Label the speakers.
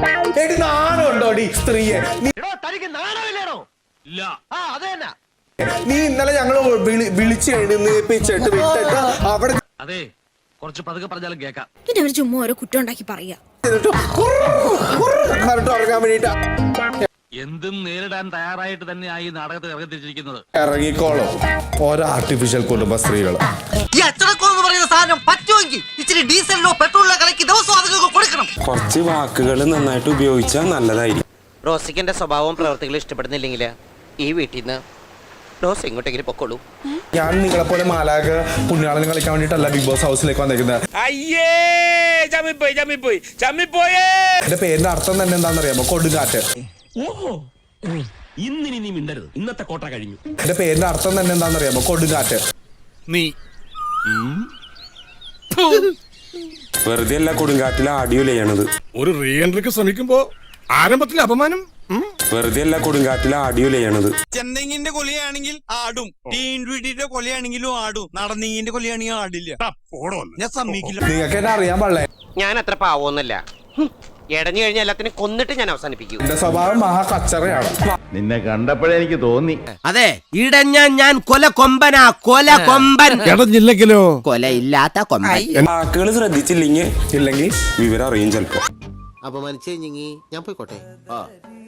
Speaker 1: എടി നാണുണ്ടോടി സ്ത്രീയെ? നീ ഇന്നലെ ഞങ്ങൾ വിളിച്ച് എഴുന്നേപ്പിച്ചിട്ട് വിട്ടിട്ട് അവിടെ
Speaker 2: അതെ കുറച്ച് പതുക്കെ പറഞ്ഞാലും കേക്കാം.
Speaker 3: പിന്നെ അവർ ചുമ്മാ ഓരോ കുറ്റം ഉണ്ടാക്കി പറയാ.
Speaker 1: ഉറങ്ങാൻ വേണ്ടിട്ട്
Speaker 2: എന്തും നേരിടാൻ തയ്യാറായിട്ട് തന്നെയായി ഈ നാടകത്തിൽ ഇറങ്ങി തിരിച്ചിരിക്കുന്നത്.
Speaker 1: ഇറങ്ങിക്കോളും ഓരോ ആർട്ടിഫിഷ്യൽ കുടുംബ സ്ത്രീകൾ.
Speaker 4: കുറച്ച് വാക്കുകൾ നന്നായിട്ട് ഉപയോഗിച്ചാൽ നല്ലതായിരിക്കും.
Speaker 5: റോസിക്കന്റെ സ്വഭാവവും പ്രവർത്തികളും ഇഷ്ടപ്പെടുന്നില്ലെങ്കിൽ ഈ വീട്ടിൽ നിന്ന് റോസ് എങ്ങോട്ടെങ്കിലും പൊക്കോളൂ.
Speaker 1: ഞാൻ നിങ്ങളെ പോലെ മാലാക പുണ്യാളനും കളിക്കാൻ വേണ്ടിട്ടല്ല ബിഗ് ബോസ് ഹൗസിലേക്ക് വന്നിരിക്കുന്നത്. എന്റെ പേരിന്റെ അർത്ഥം തന്നെ എന്താണെന്നറിയാമോ? കൊടുങ്കാറ്റ്.
Speaker 2: ഇന്നിനി നീ മിണ്ടരുത്, ഇന്നത്തെ കോട്ട കഴിഞ്ഞു.
Speaker 1: എന്റെ പേരിന്റെ അർത്ഥം തന്നെ എന്താണെന്നറിയാമോ? കൊടുങ്കാറ്റ്.
Speaker 2: നീ
Speaker 4: വെറുതെ അല്ല കൊടുങ്കാറ്റിൽ ആഡിയോ ചെയ്യണത്.
Speaker 6: ഒരു റീ എൻട്രിക്ക് ശ്രമിക്കുമ്പോ ആരംഭത്തിൽ അപമാനം.
Speaker 4: വെറുതെ അല്ല കൊടുങ്കാറ്റിൽ ആഡിയോ ചെയ്യണത്.
Speaker 7: ചെന്തെങ്ങിന്റെ കൊലയാണെങ്കിൽ ആടും, ടീൻവീട്ടിന്റെ കൊലയാണെങ്കിലും ആടും, നടന്നീങ്ങിന്റെ കൊലയാണെങ്കിൽ ആടില്ല. ഞാൻ സമ്മതിക്കില്ല.
Speaker 1: നിങ്ങൾക്ക് എന്നെ അറിയാൻ പാടില്ലേ?
Speaker 5: ഞാൻ അത്ര പാവൊന്നുമല്ല. ഇടഞ്ഞു കഴിഞ്ഞാൽ എല്ലാത്തിനും കൊന്നിട്ട് ഞാൻ അവസാനിപ്പിക്കും.
Speaker 1: എന്റെ സ്വഭാവം മഹാ കച്ചറയാണ്.
Speaker 8: നിന്നെ കണ്ടപ്പോഴേ എനിക്ക് തോന്നി.
Speaker 9: അതെ, ഇടഞ്ഞ ഞാൻ കൊല കൊമ്പനാ, കൊല കൊമ്പൻ.
Speaker 6: ഇടഞ്ഞില്ലെങ്കിലോ
Speaker 9: കൊലയില്ലാത്ത കൊമ്പൻ.
Speaker 4: വാക്കുകൾ ശ്രദ്ധിച്ചില്ലെങ്കിൽ വിവരം അറിയും ചിലപ്പോ.
Speaker 9: അപമാനിച്ചേ ഞാൻ പോയിക്കോട്ടെ.